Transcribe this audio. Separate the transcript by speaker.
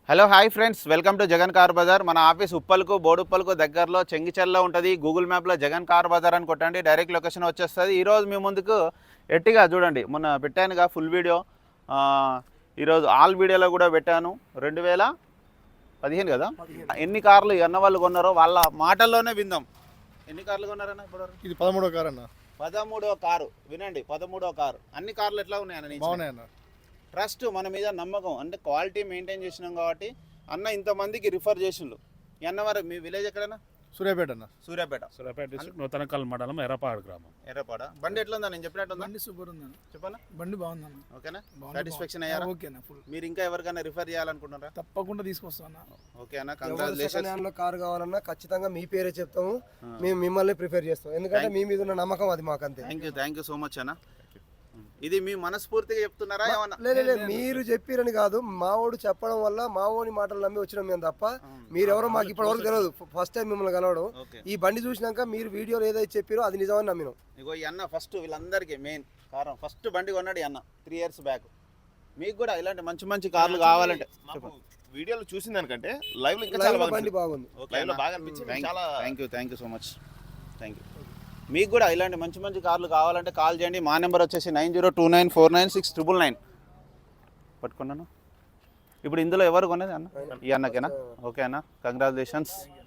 Speaker 1: Hello hi friends, welcome to Jagan car Bazaar. మన office ఉప్పల్కు బోడుప్పల్కు దగ్గరలో చెంగిచెర్లో ఉంటుంది. గూగుల్ మ్యాప్లో జగన్ కార్ బజార్ అని కొట్టండి, డైరెక్ట్ లొకేషన్ వచ్చేస్తుంది. ఈరోజు మీ ముందుకు ఎట్టిగా చూడండి, మొన్న పెట్టానుగా ఫుల్ వీడియో. ఈరోజు ఆల్ వీడియోలో కూడా పెట్టాను. 2015 కదా, ఎన్ని కార్లు అన్న వాళ్ళు కొన్నారో వాళ్ళ మాటల్లోనే విందాం. ఎన్ని కార్లు కొన్నారన్న ఇప్పుడు?
Speaker 2: ఇది 13వ కారు అన్న.
Speaker 1: 13వ కారు. వినండి, 13వ కారు. అన్ని కార్లు ఎట్లా ఉన్నాయన్న?
Speaker 2: బాగున్నాయన్న.
Speaker 1: ట్రస్ట్, మన మీద నమ్మకం, అంటే క్వాలిటీ మెయింటైన్ చేసినాం కాబట్టి అన్న ఇంతమందికి రిఫర్ చేసిండు. అన్న మరి మీ విలేజ్ ఎక్కడన్నా?
Speaker 2: సూర్యాపేట అన్న.
Speaker 1: సూర్యాపేట
Speaker 3: డిస్ట్రిక్ట్ నూతనకల్ మండలం ఎర్రపాడు గ్రామం.
Speaker 1: ఎర్రపాడ. బండి ఎట్లా ఉందా? నేను చెప్పినట్టు ఉందా?
Speaker 4: బండి సూపర్ ఉందన్న.
Speaker 1: చెప్పనా?
Speaker 4: బండి బాగుందన్న.
Speaker 1: ఓకేనా? సాటిస్ఫాక్షన్ అయ్యారా?
Speaker 4: ఓకేనా ఫుల్.
Speaker 1: మీరు ఇంకా ఎవరికైనా రిఫర్ చేయాలనుకుంటున్నారా?
Speaker 4: తప్పకుండా తీసుకొస్తాను.
Speaker 1: ఓకే అన్న, కంగ్రాచులేషన్స్.
Speaker 5: కార్ కావాలన్నా ఖచ్చితంగా మీ పేరే చెప్తాము, మేము మిమ్మల్ని ప్రిఫర్ చేస్తాం, ఎందుకంటే మీ మీద ఉన్న నమ్మకం అది మాకు అంతే.
Speaker 1: థ్యాంక్ యూ సో మచ్ అన్న. ఇది మీ మనస్ఫూర్తిగా చెప్తున్నారా ఏమన్నా?
Speaker 5: లేదు, మీరు చెప్పిరని కాదు, మావోడు చెప్పడం వల్ల మావోని మాటలు నమ్మి వచ్చినాం మేము తప్ప మీరెవరో మాకు ఇప్పటి వరకు తెలియదు. ఫస్ట్ టైం మిమ్మల్ని కలవడం. ఈ బండి చూసినాక మీరు వీడియోలో ఏదైతే చెప్పారో అది నిజమని నమ్మినాం.
Speaker 1: ఇగో ఈ అన్న ఫస్ట్ వీళ్ళందరికీ మెయిన్ కారణం, ఫస్ట్ బండి కొన్నాడు ఈ అన్న 3 years బ్యాక్. మీకు కూడా ఇలాంటి మంచి మంచి కార్లు కావాలంటే
Speaker 2: వీడియోలో చూసిన దానికంటే లైవ్ లో ఇంకా
Speaker 5: లైవ్
Speaker 2: చాలా
Speaker 5: లో
Speaker 2: బాగా
Speaker 5: బండి బాగుంది.
Speaker 2: లైవ్ లో బాగా అనిపించింది. చాలా
Speaker 1: thank you so much. Thank you. మీకు కూడా ఇలాంటి మంచి మంచి కార్లు కావాలంటే కాల్ చేయండి. మా నెంబర్ వచ్చేసి 9029496999. పట్టుకున్నాను. ఇప్పుడు ఇందులో ఎవరు కొనేది అన్న? ఈ అన్నకేనా? ఓకే అన్న, కంగ్రాచులేషన్స్.